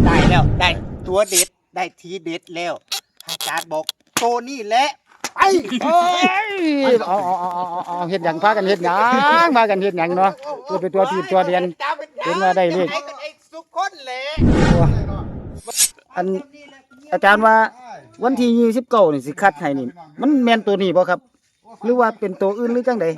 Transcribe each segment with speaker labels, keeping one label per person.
Speaker 1: ได้แล้วได้ตัวเด็ดได้ทีเด็ดแล้วอาจารย์บอกโตนี่แหละไป
Speaker 2: โอ้ยเอาเฮ็ดหยังพากันเฮ็ดหยังพากันเฮ็ดหยังเนาะคือเป็นตัวทีมตัวเดียนเป็นว่าได้เลข
Speaker 1: ไอ้สุกคนแหละ
Speaker 2: อันอาจารย์ว่าวันที่29นี่สิคัดให้นี่มันแม่นตัวนี้บ่ครับ หรือว่าเป็นตัวอื่นหรือจังใด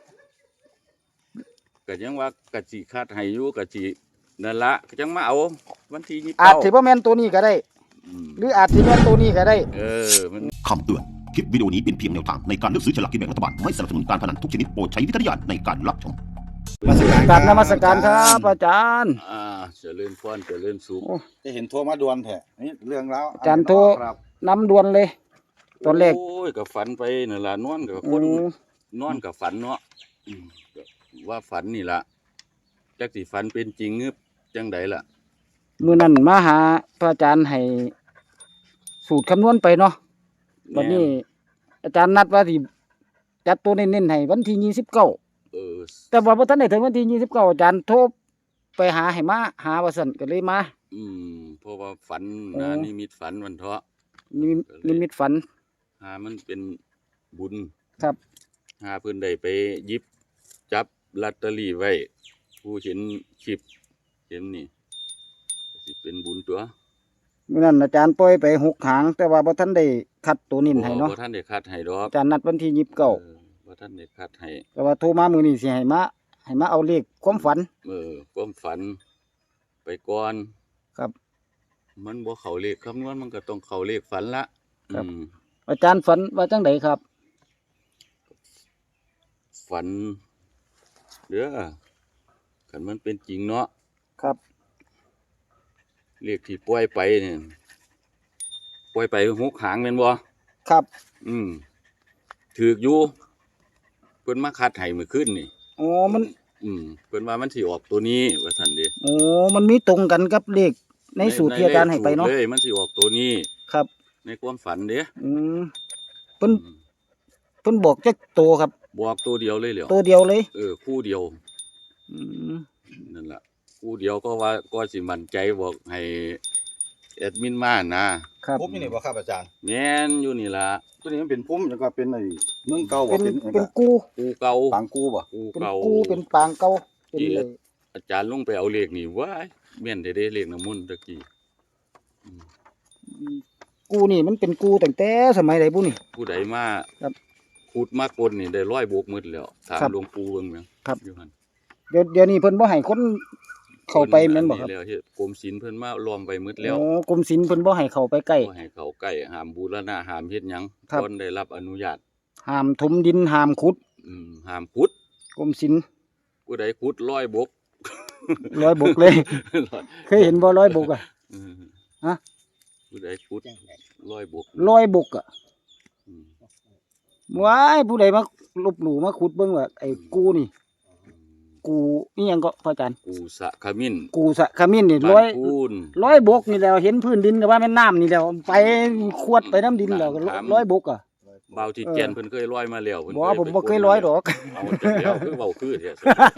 Speaker 3: ก็ยังว่ากะจิคาดให้อยู่กะจินั่นละก็จังมาเอาวันที่29
Speaker 2: อาจสิบ่แม่นตัวนี้ก็ได้ หรืออาจสิแม่นตัวนี้ก็ได้
Speaker 3: มัน
Speaker 4: คำเตือน คลิปวิดีโอนี้เป็นเพียงแนวทางในการเลือกซื้อฉลากกินแบ่งรัฐบาล ไม่สนับสนุนการพนันทุกชนิดโปรดใช้วิจารณญาณในการรับชม
Speaker 2: กราบนมัสการครับอาจารย์
Speaker 3: เจริญพรเจริญสุข
Speaker 5: จะเห็นโทรมาด่วนแท้นี่เรื่องแล้ว
Speaker 2: อาจารย์โทร
Speaker 5: ครับ
Speaker 2: นำด่วนเลยตอนแรก
Speaker 3: โอ้ยก็ฝันไปนั่นล่ะนอนกับคน นอนกับฝันเนาะก็ว่าฝันนี่ล่ะจักสิฝันเป็นจริงหรือจังใดล่ะ
Speaker 2: มื้อนั้นมาหาพระอาจารย์ให้สูตรคำนวณไปเนาะวันนี้อาจารย์นัดว่าสิจัดตัวเน้นๆให้วันที่29
Speaker 3: เออ
Speaker 2: แต่ว่าบ่ทันได้ถึงวันที่29อาจารย์โทรไปหาให้มาหาว่าซั่นก็เลยมา
Speaker 3: เพราะว่าฝัน
Speaker 2: โอ้
Speaker 3: นะนิมิตฝันวันเถาะ
Speaker 2: นิมิตฝัน
Speaker 3: หามันเป็นบุญ
Speaker 2: ครับ
Speaker 3: หาเพิ่นได้ไปหยิบจับลอตเตอรี่ไว้ผู้เห็นคลิปเห็นนี่ก็สิเป็นบุญตัว
Speaker 2: มื้อนั้นอาจารย์ปล่อยไป6หาง แต่ว่าบ่ทันได้คัดตัวเน้นให้เนาะ
Speaker 3: บ่ทันได้คัดให้ดอก
Speaker 2: อาจารย์นัดวันที่29
Speaker 3: บ่ทันได้คัดให้
Speaker 2: แต่ว่าโทรมามื้อนี้สิให้มาเอาเลขความฝัน
Speaker 3: ความฝันไปก่อน
Speaker 2: ครับ
Speaker 3: มันบ่เข้าเลขคำนวณมันก็ต้องเข้าเลขฝันละ
Speaker 2: ครับ
Speaker 3: อืม
Speaker 2: อาจารย์ฝันว่าจังไดครับ
Speaker 3: ฝันเด้อคันมันเป็นจริงเนาะ
Speaker 2: ครับ
Speaker 3: เลขที่ปล่อยไปเนี่ยปล่อยไป6หางแม่นบ่
Speaker 2: ครับ
Speaker 3: ถูกอยู่เพิ่นมาคัดให้มื้อคืนนี่
Speaker 2: อ๋อมัน
Speaker 3: เพิ่นว่ามันสิออกตัวนี้ว่าซั่นเด้
Speaker 2: อ๋อมันมีตรงกันกับเลขในสูตรที่อาจารย์ให้ไปเนาะ
Speaker 3: สูตรเลยมันสิออกตัวนี้
Speaker 2: ครับ
Speaker 3: ในความฝันเด้
Speaker 2: อืมเพิ่นบอกจักโตครับ
Speaker 3: บอกตัวเดียวเลยเหรอ
Speaker 2: ตัวเดียวเลย
Speaker 3: คู่เดียว
Speaker 2: อืม
Speaker 3: นั่นล่ะคู่เดียวก็ว่าก็สิมั่นใจบอกให้แอดมินมานะครับ
Speaker 5: ปุ๊บนี่บ่ครับอาจารย์
Speaker 3: แม่นอยู่นี่ล่ะ
Speaker 5: ตัวนี้มันเป็นพุ่มแล้วก็เป็นไอ้เมืองเก่าบ่
Speaker 2: เป็น
Speaker 5: เป็น
Speaker 2: กู
Speaker 3: คู่เก่า
Speaker 5: ปางกูบ่
Speaker 3: คู่
Speaker 2: เป็น
Speaker 3: เก่า
Speaker 2: กูเป็นปางเก่าเป็นเลย
Speaker 3: อาจารย์ลงไปเอาเลขนี่ว้ายแม่นได้เลขน้ำมนต์ตะกี้
Speaker 2: กูนี่มันเป็นกูตั้งแต่สมัยใดบุนี่
Speaker 3: ผู้ใดมา
Speaker 2: ครับ
Speaker 3: ขุดมากลนี่ได้ร้อยโบกหมดแล้วถาม
Speaker 2: ครับ
Speaker 3: หลวงปู่เบิ่งแม่ง
Speaker 2: ครับ
Speaker 3: อยู่หั่น
Speaker 2: เดี๋ยวนี้เพิ่นบ่ให้คนเข้าไปแม่นบ่ครับ
Speaker 3: แล้วเฮ็ดกรมศิลป์เพิ่นมาล้อมไว้หมดแล้ว
Speaker 2: อ๋อกรมศิลป์เพิ่นบ่ให้เข้าไปใกล้
Speaker 3: บ่ให้เขาใกล้ห้ามบูรณะห้ามเฮ็ดหยัง
Speaker 2: ครับ
Speaker 3: ก่อนได้รับอนุญาต
Speaker 2: ห้ามถมดินห้ามขุด
Speaker 3: ห้ามขุด
Speaker 2: กรมศิลป์
Speaker 3: ผู้ใดขุดร้อยบก
Speaker 2: ร้อยบกเลย เคยเห็นบ่ร้อยบกอ่ะ
Speaker 3: อืม
Speaker 2: ฮะ
Speaker 3: ผู้ใดขุดร้อยบก
Speaker 2: ร้อยบกอ่ะ
Speaker 3: อืม
Speaker 2: ว้ายผู้ใดมาลบหลู่มาขุดเบิ่งว่าไอ้กูนี่ กูนี่ยังก็พระอาจารย์
Speaker 3: กูสะขมิ้น
Speaker 2: กูสะขมิ้นนี่
Speaker 3: บ้าน
Speaker 2: ร้อย
Speaker 3: พูน
Speaker 2: ร้อยบกนี่แล้วเห็นพื้นดินก็ว่าแม่นน้ำนี่แล้วไปขวดไปน้ำดินแล้วก็
Speaker 3: ถาม
Speaker 2: ร้อยบกอ่ะ
Speaker 3: บ่าวที่แก่นเพิ่นเคยร้อยมาแล้วเพิ่น
Speaker 2: บ่ว่าผม
Speaker 3: ไป
Speaker 2: บ่เคยร้อยดอก
Speaker 3: เอาจังแล้วคือเว้าคือแท้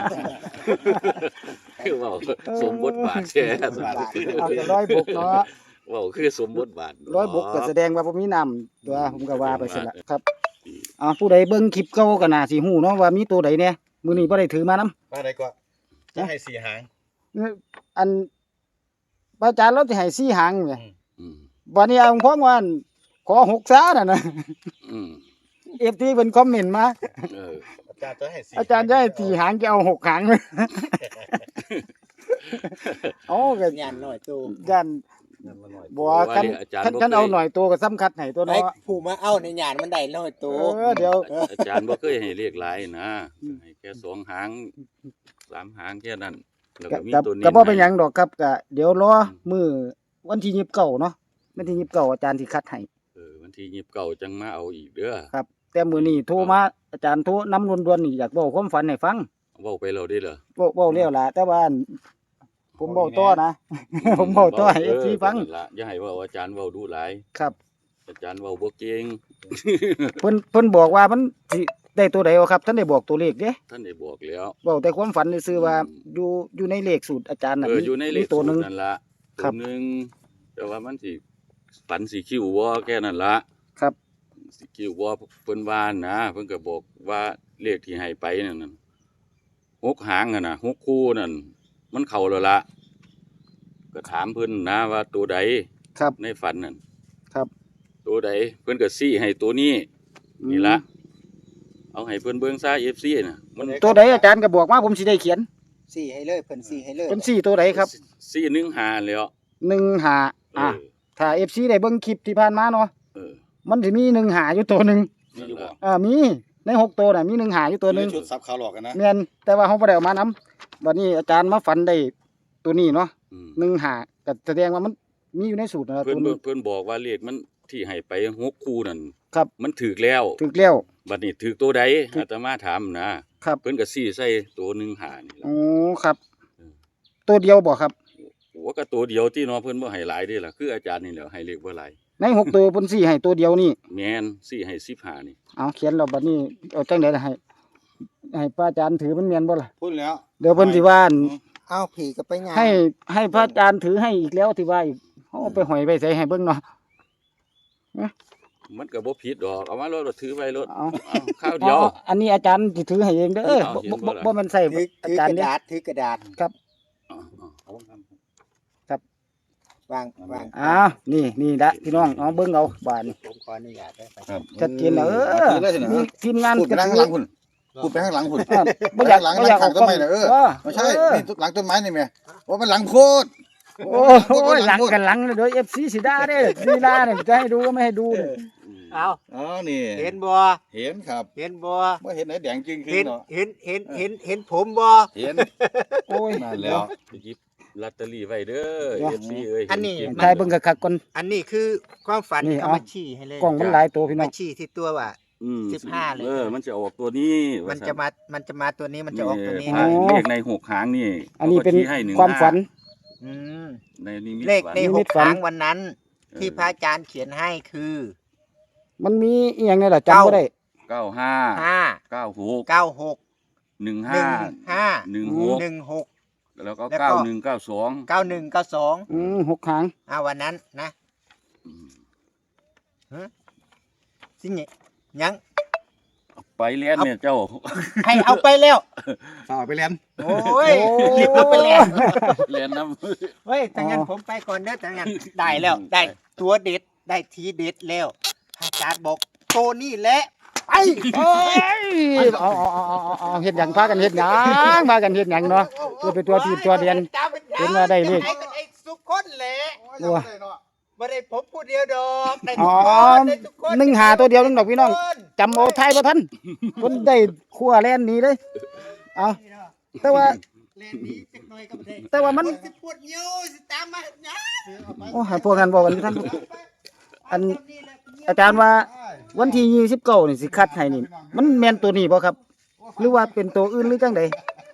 Speaker 3: คือเว้าสมบทบาทแท้
Speaker 2: เอาแต่ร้อยบกเนาะ
Speaker 3: เว้าคือสมบทบาท
Speaker 2: ร้อยบกก็แสดงว่าบ่มีน้ำตัวผมก็ว่าไปซั่นล่ะครับผู้ใดเบิ่งคลิปเก่าก็น่าสิฮู้เนาะว่ามีตัวใดแหน่มื้อนี้บ่ได้ถือมานำ
Speaker 5: ว่าได้ก็จะให้4หาง
Speaker 2: อันพระอาจารย์เราสิให้4หางแหม
Speaker 3: อืม
Speaker 2: บัดนี้เอาของว่าขอ6ซะน่ะนะ
Speaker 3: อืม
Speaker 2: FT เพิ่นคอมเมนต์มา
Speaker 3: เออ
Speaker 5: อาจารย์จะให้4
Speaker 2: อาจารย์จะให้4หางจะเอา6หางเลยโอ้ก็
Speaker 1: งานหน่อยตู้
Speaker 2: ยันบ่ว่าคัน
Speaker 3: อาจารย์
Speaker 2: คันเอาหน่อยตัวก็สำคัญให้ตัว
Speaker 1: ไอ้
Speaker 2: เนาะ
Speaker 1: ผู้มาเอาในงานมันได้หน่อยตู้
Speaker 2: เดี๋ยว
Speaker 3: อาจารย์บ่เคยให้เลขหลายนะให้แค่2หาง3หางแค่นั้นแล้วก็มีตัวนี้
Speaker 2: ก็บ่เป็นหยังดอกครับก็เดี๋ยวรอมื้อวันที่29เนาะวันที่29อาจารย์สิคัดให้
Speaker 3: วันที่29จังมาเอาอีกเด้อ
Speaker 2: ครับ แต่มื้อนี้โทรมาอาจารย์โทรนำด่วนๆนี่อยากเว้าความฝันให้ฟัง
Speaker 3: เว้าไปแล้วเด้เหรอ
Speaker 2: เว้าแล้วล่ะแต่ว่าผมเว้าต่อนะ ผมเว้าต่อให้ FC ฟัง
Speaker 3: นั่นล่ะอย่าให้เว้าอาจารย์เว้าดุหลาย
Speaker 2: ครับ
Speaker 3: อาจารย์เว้าบ่เก่ง
Speaker 2: เพิ่นบอกว่ามันสิได้ตัวใดวะครับท่านได้บอกตัวเลขเด้
Speaker 3: ท่านได้บอกแล้ว
Speaker 2: เว้าแต่ความฝันซื่อๆว่าอยู่ในเลขสูตรอาจารย์น่ะ
Speaker 3: อยู่ในเล
Speaker 2: มี
Speaker 3: ข
Speaker 2: ตัวหนึง
Speaker 3: สูตรนั่นล่ะ
Speaker 2: ครั
Speaker 3: ตัว
Speaker 2: บ
Speaker 3: หนึงแต่ว่ามันสิฝันสิคิวบ่แค่นั้นละ
Speaker 2: ครับ
Speaker 3: สิคิวบ่เพิ่นว่านะเพิ่นก็บอกว่าเลขที่ให้ไปนั่นน่ะ6หางอ่ะนะ6คู่นั่นมันเข้าแล้วล่ะก็ถามเพิ่นนะว่าตัวใด
Speaker 2: ครับ
Speaker 3: ในฝันนั่น
Speaker 2: ครับ
Speaker 3: ตัวใดเพิ่นก็ซี่ให้ตัวนี้นี่ละเอาให้เพิ่นเบิ่งซะ FC น่ะมัน
Speaker 2: ตัวใดอาจารย์ก็บอกมาผมสิได้เขียน
Speaker 1: สี่ให้เลยเพิ่นสี่ให้เลย
Speaker 2: เป็นสี่ตัวใดครับ
Speaker 3: ซี่1-5แล้ว
Speaker 2: 1-5ถ้า FC ได้เบิ่งคลิปที่ผ่านมาเนาะ
Speaker 3: เออ
Speaker 2: มันสิมี1-5อยู่ตัวหนึง
Speaker 3: นั่นล่ะ
Speaker 2: มีใน6ตัวน่ะมี1-5อยู่ตัวหนึง
Speaker 5: ชุดซับขาหลอกกันนะ
Speaker 2: แม่นแต่ว่าเฮาบ่ได้เอามานํบัดนี้อาจารย์มาฝันได้ตัวนี้เนาะ
Speaker 3: อืม
Speaker 2: 1-5ก็แสดงว่ามันมีอยู่ในสูตรนะ
Speaker 3: เพิ่
Speaker 2: ตัวน นึง
Speaker 3: เพิ่นบอกว่าเลขมันที่ให้ไป6คู่นั่น
Speaker 2: ครับ
Speaker 3: มันถูกแล้ว
Speaker 2: ถูกแล้ว
Speaker 3: บัดนี้ถูกตัวใด
Speaker 2: ถูก
Speaker 3: อาตมาถามนะครับ เพิ่นก็ซี่ใส่ตัว1-5นี่ล่ะ
Speaker 2: อ๋อครับ
Speaker 3: อืม
Speaker 2: ตัวเดียวบ่ครับ
Speaker 3: โอ้ก็ตัวเดียวที่เนาะเพิ่นบ่ให้หลายเด้ล่ะคืออาจารย์นี่แหละให้เลขบ่หลาย
Speaker 2: ใน6ตัวเพิ่นสิให้ตัวเดียวนี่
Speaker 3: แม่นซี่ให้15นี่
Speaker 2: เอาเขียนแล้วบัดนี้เอาจังได๋ล่ะให้พระอาจารย์ถือมันแม่นบ่ล่ะ
Speaker 5: พูดแล้ว
Speaker 2: เดี๋ยวเพิ่นสิว่าอั่น
Speaker 1: เอาผีก็ไปงาน
Speaker 2: ให้พระอาจารย์ถือให้อีกแล้วที่ว่าอีกเฮาเอาไปห้อยไว้ใส่ให้เบิ่งเนาะ
Speaker 3: มันก็บ่ผิดดอกเอามารถถือไว้รถ
Speaker 2: เอา
Speaker 3: เอาข้าวเดียว
Speaker 2: อันนี้อาจารย์สิถือให้เองเด้อ
Speaker 3: เอา
Speaker 2: บ่
Speaker 3: เห็นบ่
Speaker 2: บ่
Speaker 3: ล่ะ
Speaker 2: บ่แม่นใส่
Speaker 1: ถือ
Speaker 2: อา
Speaker 1: ถือ
Speaker 2: จาร
Speaker 1: ก
Speaker 2: ย์
Speaker 1: ระ
Speaker 2: เด้อ
Speaker 1: ดาษถือกระดาษ
Speaker 3: เอา
Speaker 1: วางวาง
Speaker 2: อ้าวนี่ละพี่น้องเอาเบิ่งเอาบาดนี้
Speaker 1: ผมขออนุญาตได้ไป
Speaker 5: ครับ
Speaker 2: ชัดเจนแล้วมี ทีมงาน
Speaker 5: พูดไปข้างหลังคุณพูดไปข้างหลังคุณ
Speaker 2: บ่อยาก
Speaker 5: หลัง
Speaker 2: บ่อยาก
Speaker 5: หลั
Speaker 2: เอา
Speaker 5: งต้
Speaker 2: กล้อง
Speaker 5: นไม้น่ะไม่ใช่นี่หลังต้นไม้นี่แม่ว่ามันหลังโคตร
Speaker 2: โอ้ยหลังกันหลังเลยเด้อ FC สิด่าเด้อสิด่าเนี่ยจะให้ดูก็ไม่ให้ดูเนี่ย
Speaker 1: เอา
Speaker 5: อ๋อนี่
Speaker 1: เห็นบ่
Speaker 5: เห็นครับ
Speaker 1: เห็นบ่
Speaker 5: ว่าเห็นไหนแดงจริงขึ้
Speaker 1: เห็
Speaker 5: น
Speaker 1: น
Speaker 5: เนาะ
Speaker 1: เห็นผมบ่
Speaker 5: เห็น
Speaker 2: โอ้ย
Speaker 5: นั่นแล้ว
Speaker 3: ไปหยิบลอตเตอรี่ไว้เด้อ
Speaker 2: เดี๋ยว
Speaker 3: FC เอ้ย
Speaker 1: อันนี้
Speaker 3: เห็จริง
Speaker 2: ทายเบิ่งคักๆก่อน
Speaker 1: อันนี้คือความฝัน
Speaker 2: นี่
Speaker 1: เขา
Speaker 2: เอา
Speaker 1: มาชี้ให้เลย
Speaker 2: กล้องมันหลายตัวพี่น้อ
Speaker 1: มาง ชี้ที่ตัวว่า
Speaker 3: อืม
Speaker 1: 15เลย
Speaker 3: มันจะออกตัวนี้
Speaker 1: มันจะมาตัวนี้มันจะออกตัวนี้
Speaker 3: นี่
Speaker 1: นะ
Speaker 3: เลขใน6หางนี่
Speaker 2: อันนี้เป็น
Speaker 3: ขาก็ชี้ให้1
Speaker 2: ความฝัน
Speaker 1: อืม
Speaker 3: ในนิมิต
Speaker 1: เลข
Speaker 3: ฝัน
Speaker 1: ใน
Speaker 2: นิ
Speaker 1: ห
Speaker 2: มิ
Speaker 1: ก
Speaker 2: ตฝัน
Speaker 1: ครั้งวันนั้น ที่พระอาจารย์เขียนให้คือ
Speaker 2: มันมีอีหยังนี่ล่ะจำบ่ได้
Speaker 3: 95
Speaker 1: 5
Speaker 3: 96
Speaker 1: 96
Speaker 3: 15
Speaker 1: 15
Speaker 3: 16
Speaker 1: 16
Speaker 3: แล้วก็
Speaker 1: แล้วก็
Speaker 3: 9192
Speaker 1: 91 92
Speaker 2: 6ครั้ง
Speaker 1: วันนั้นนะ สิเงี้ยยัง
Speaker 3: ไปเรียนเนี่ยเจ้า
Speaker 1: ให้เอาไปแล้ว
Speaker 5: ฝากไปเรียน
Speaker 1: โอ้ยรีบเอาไปแล้ว
Speaker 3: เรียนน้
Speaker 1: เฮ้ยถ้างั้นผมไปก่อนเด้อถ้างั้นได้แล้วได้ตัวเด็ดได้ทีเด็ดแล้วอาจารย์บอกโตนี่แหละไป
Speaker 2: โอ้ยเอาเฮ็ดหยังพากันเฮ็ดหยังพากันเฮ็ดหยังเนาะเพื่อไปตัวทีมตัวเรียน เห็นว่าได้เลข
Speaker 1: ให้กันไอ้สุกคนแหละ
Speaker 2: โอ้ย
Speaker 1: บ่ได้ผมผู้เดียวดอกได้
Speaker 2: อ๋
Speaker 1: ทุ
Speaker 2: อก
Speaker 1: คนได้ทุกคน
Speaker 2: 1-5ตัวเดียวนึงดอกพี่น้อง
Speaker 1: ทุกคน
Speaker 2: จำเอาไทยบ่ทันเพิ่นได้คั่วแล่นหนี้เลยเอาแต่ว่า
Speaker 1: เล่นนี้จักหน่อยก็บ่ได้
Speaker 2: แต่ว่ามัน
Speaker 1: สิปวดยิ้วสิตามมาเฮ็ดหยัง
Speaker 2: โอ้ให้พวกนั้นบอกกันท่านอันอาจารย์ว่าวันที่29นี่สิคัดให้นี่ มันแม่นตัวนี้บ่ครับ หรือว่าเป็นตัวอื่นหรือจังใด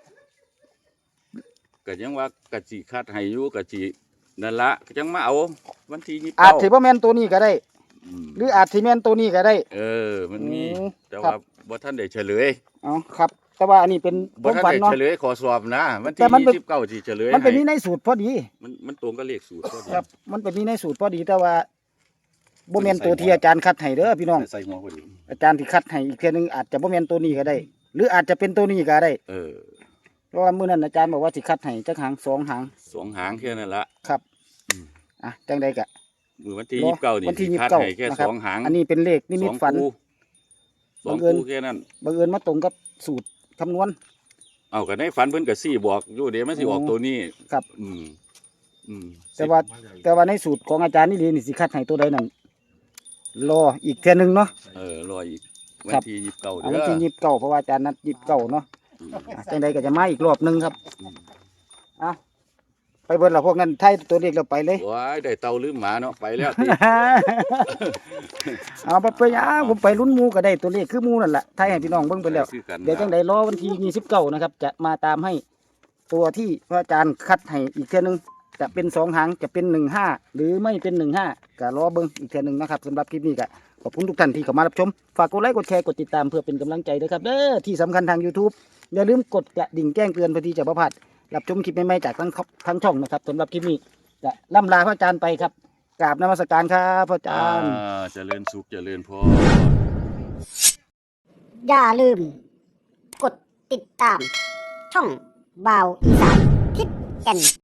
Speaker 3: ำก็ยังว่ากะจิคัดให้อยู่กะจินั่นละก็ยังมาเอาวันที่29
Speaker 2: อาจสิบ่แม่นตัวนี้ก็ได้
Speaker 3: อืม
Speaker 2: หรืออาจสิแม่นตัวนี้ก็ได้
Speaker 3: มันมี
Speaker 2: อืม
Speaker 3: แต่
Speaker 2: ครั
Speaker 3: ว่า
Speaker 2: บ
Speaker 3: บ่ทันได้เฉลย
Speaker 2: อ๋อครับ แต่ว่าอันนี้เป็นค
Speaker 3: บ่
Speaker 2: วาม
Speaker 3: ทัน
Speaker 2: ฝัน
Speaker 3: ได้
Speaker 2: เนาะ
Speaker 3: เฉลยขอสอบนะวัน
Speaker 2: แต่
Speaker 3: ที่
Speaker 2: มันเป็น
Speaker 3: 29สิเฉลย
Speaker 2: มันเป็น
Speaker 3: ให้
Speaker 2: นี่ในสูตรพอดี
Speaker 3: มันตรงกับเลขสูตรพอดี
Speaker 2: ครับ มันเป็นนี่ในสูตรพอดีแต่ว่าบ่แม่นตัวที่อาจารย์คัดให้เด้อพี่น้อง
Speaker 5: ใส่หัวพอดี
Speaker 2: อาจารย์ที่คัดให้อีกเทื่อนึงอาจจะบ่แม่นตัวนี้ก็ได้ หรืออาจจะเป็นตัวนี้ก็ได้
Speaker 3: เออ
Speaker 2: เพราะว่ามื้อนั้นอาจารย์บอกว่าสิคัดให้จักหาง2หาง
Speaker 3: 2หางแค่นั้นละ
Speaker 2: ครับ
Speaker 3: อืม
Speaker 2: อ่ะจังใดก็
Speaker 3: มื้อวันที่
Speaker 2: รอ
Speaker 3: 29นี่
Speaker 2: วันที่
Speaker 3: สิคัด
Speaker 2: 29
Speaker 3: ให้แค่
Speaker 2: นะครับ
Speaker 3: 2หาง
Speaker 2: อันนี้เป็นเลขนิมิตฝัน
Speaker 3: สอง
Speaker 2: บังเอิญ
Speaker 3: คู่แค่นั้น
Speaker 2: บังเอิญมาตรงกับสูตรคำนวณ
Speaker 3: เอาก็ในฝันเพิ่นก็ซี่บอกอยู่เดี๋ยวมันสิออกตัวนี้
Speaker 2: ครับ
Speaker 3: อืมอืม
Speaker 2: แต่ว่าในสูตรของอาจารย์นี่ดีนี่สิคัดให้ตัวใดนั่นรออีกเทื่อนึงเนาะ
Speaker 3: รออีกวั
Speaker 2: ครับ
Speaker 3: นที่29
Speaker 2: เอา
Speaker 3: เด้
Speaker 2: วัน
Speaker 3: อ
Speaker 2: ที่29เพราะว่าอาจารย์นัด29เนาะ
Speaker 3: อืม
Speaker 2: อ่ะจังใดก็จะมาอีกรอบหนึงครับเอาไปเบิดละพวกนั้นไทยตัวเลขเราไปเลย
Speaker 3: ว้ายได้เต่าลืมหมาเนาะไปแล้วติ
Speaker 2: เอาไปหยังผมไปลุ้นหมูก็ได้ตัวเลขคือหมูนั่นแหละไทยให้พี่น้องเบิ่งไปแล้ว
Speaker 3: คือกัน
Speaker 2: เดี๋ยวจังใดรอวันที่29นะครับจะมาตามให้ตัวที่พระอาจารย์คัดให้อีกเทื่อนึงจะเป็น2หางจะเป็น15หรือไม่เป็น15ก็รอเบิ่งอีกเทื่อนึงนะครับสำหรับคลิปนี้ก็ขอบคุณทุกท่านที่เข้ามารับชมฝากกดไลค์กดแชร์กดติดตามเพื่อเป็นกำลังใจด้วยครับเด้อที่สำคัญทาง YouTube อย่าลืมกดกระดิ่งแจ้งเตือนเพื่อที่จะบ่พลาดรับชมคลิปใหม่ๆจากทั้งช่องนะครับสำหรับคลิปนี้จะล่ำลาพระอาจารย์ไปครับกราบนมัสการครับพระอาจารย์
Speaker 3: เจริญสุขเจริญพร
Speaker 6: อย่าลืม กดติดตาม ช่องบ่าวอีสานทิศแก่น